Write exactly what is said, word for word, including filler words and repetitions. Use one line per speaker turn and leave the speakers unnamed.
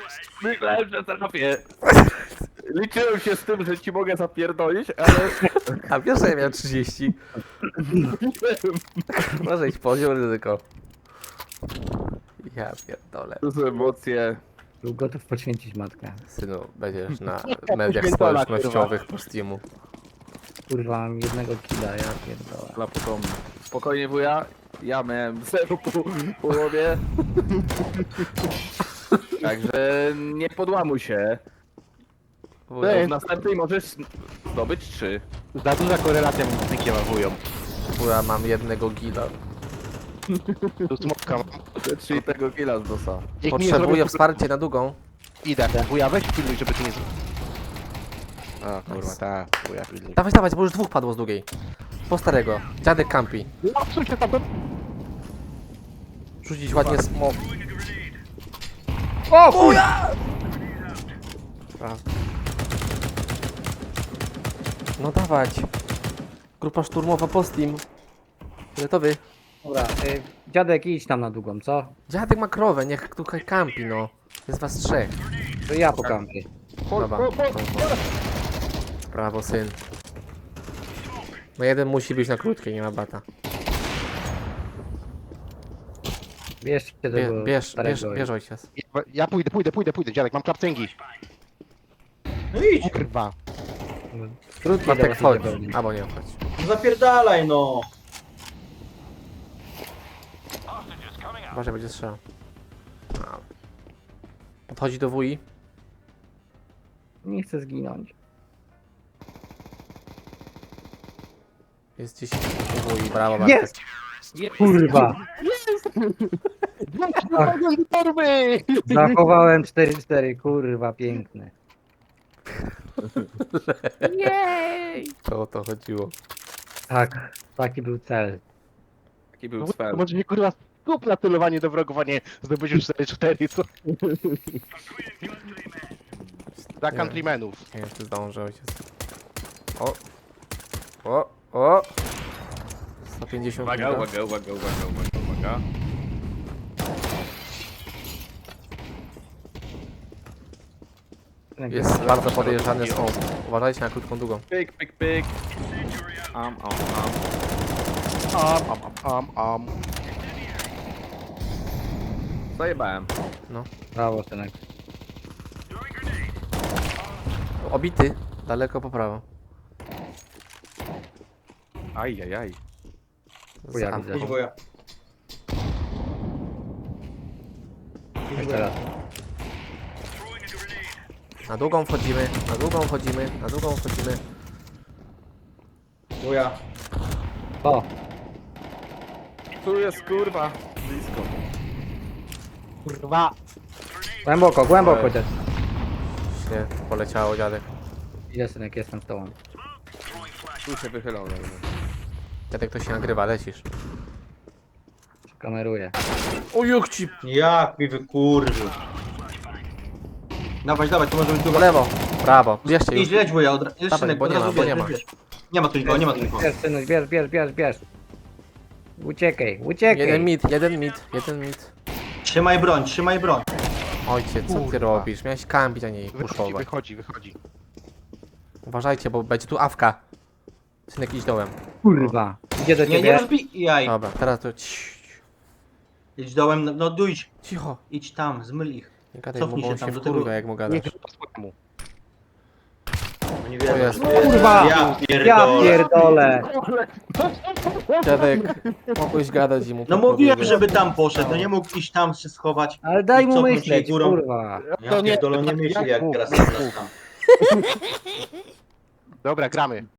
Myślałem, że trafię. Liczyłem się z tym, że ci mogę zapierdolić, ale...
A wiesz, że ja miałem trzydzieści. Może iść poziom ryzyko. Ja pierdolę.
To są emocje.
Był gotów poświęcić matkę.
Synu, będziesz na mediach
Świętola,
społecznościowych po Steamu.
Kurwa, mam jednego killa, ja pierdolę.
Dla potomnych. Spokojnie wuja, ja miałem zero po połowie. Także nie podłamuj się. W następnej możesz zdobyć trzy.
Za duża korelacja między tym a wują.
Ja mam jednego gila.
Tu smoka mam.
Czyli tego killa z dosa.
Niech mi nie
Potrzebuję
zrobią-
wsparcia na długą.
Idę. Wuja, weź pilnuj, żeby tu nie... z- A, kurwa,
Nice.
ta, wuja pilnuj.
Dawać, dawać, bo już dwóch padło z długiej. Po starego. Dziadek campi.
No, się tam...
Rzucić ładnie smok.
O chuj!
No dawać. Grupa szturmowa po Steam. Fioletowy.
Dobra, y, dziadek idź tam na długą, co?
Dziadek ma krowę, niech tutaj campi, no. Jest was trzech.
To ja po kampie.
Dobra. Brawo, syn. No jeden musi być na krótkiej, nie ma bata.
Bierzcie
Bie,
tego
bierz, bierz,
starego.
bierz ojciec.
Ja, ja pójdę, pójdę, pójdę, pójdę, dziadek, mam klapcęgi.
No idź,
Kurwa.
Krótki
Bartek,
do was
wchodź.
idzie pewnie.
Albo nie wchodź.
zapierdalaj no.
Uważaj, będzie strzał. A. Podchodzi do wuj.
Nie chcę zginąć.
Jest dziesięć u wuj, brawo Bartek.
Jest! Kurwa! Ach,
Torby!
zachowałem cztery cztery, kurwa, piękne.
To o to chodziło.
Tak, taki był cel.
Taki był cel.
Może nie kurwa skup na celowanie do wrogów, a nie zdobyć już cztery cztery, co? Dla
Nie.
countrymenów.
Nie wiem, czy zdążę ojciec. O! O! O! sto pięćdziesiąt
Uwaga,
metra.
uwaga, uwaga, uwaga, uwaga, uwaga.
Jest bardzo podejrzany są. Uważajcie na krótką, długą.
Pyk, pyk, pyk. Am, am, am.
Am, am, am, am.
Zajebałem.
Brawo, synek.
Obity. Daleko po prawo.
Aj, aj, aj.
Chuja
Za-
widzę.
Idź wuja.
Jeszcze raz.
Na długą wchodzimy, na długą wchodzimy, na długą wchodzimy.
Wuja.
O,
Tu jest kurwa. Blisko.
Kurwa.
głęboko, głęboko też.
Źle poleciało dziadek.
Idę, synek, jestem z tobą.
Tu się wychylał. no.
Dziadek to się nagrywa, lecisz.
Kameruję.
O jak ci...
Jak mi wykurzył. Dawać, dawać, to możemy tu...
Po lewo, prawo. Bierzcie już.
Idź, leć wuja, od, razu-
Dawaj,
synek,
bo
od
nie
razu
ma, bo
bierz,
nie ma.
bierz. Nie ma tu nikogo, nie ma tu nikogo.
Bierz, synuś, bierz, bierz, bierz, bierz. Uciekaj, uciekaj.
Jeden mit, jeden mit, jeden mit.
Trzymaj broń, trzymaj broń.
Ojciec, co ty
Kurwa.
robisz? Miałeś kampić, a nie ich
Wychodzi,
puszować.
wychodzi, wychodzi.
Uważajcie, bo będzie tu awka. Synek, idź dołem.
Kurwa. Idzie do
Nie, nie
ciebie.
rozbijaj.
Dobra, teraz to... Cii-
Idź dołem, no, no dójdź.
Cicho.
Idź tam, zmyl ich.
Nie gadaj,
Cofnij
bo
się
on
tam
się
do
wkurwia,
tego-
jak mu
Nie
gadasz.
wiem po swojemu.
No nie
To
wiem.
jest.
Kurwa!
Ja
Ja
pierdolę.
pierdolę.
Dziadek, mogłeś gadać i mu
No mówiłem,
podpowiedzieć.
żeby tam poszedł, no nie mógł iść tam się schować.
Ale daj
I
mu
cofnąć
myśleć,
jej górą.
kurwa.
Ja
To nie-
pierdolę, nie myśli jak
mów,
teraz
mów,
tam.
Dobra, gramy.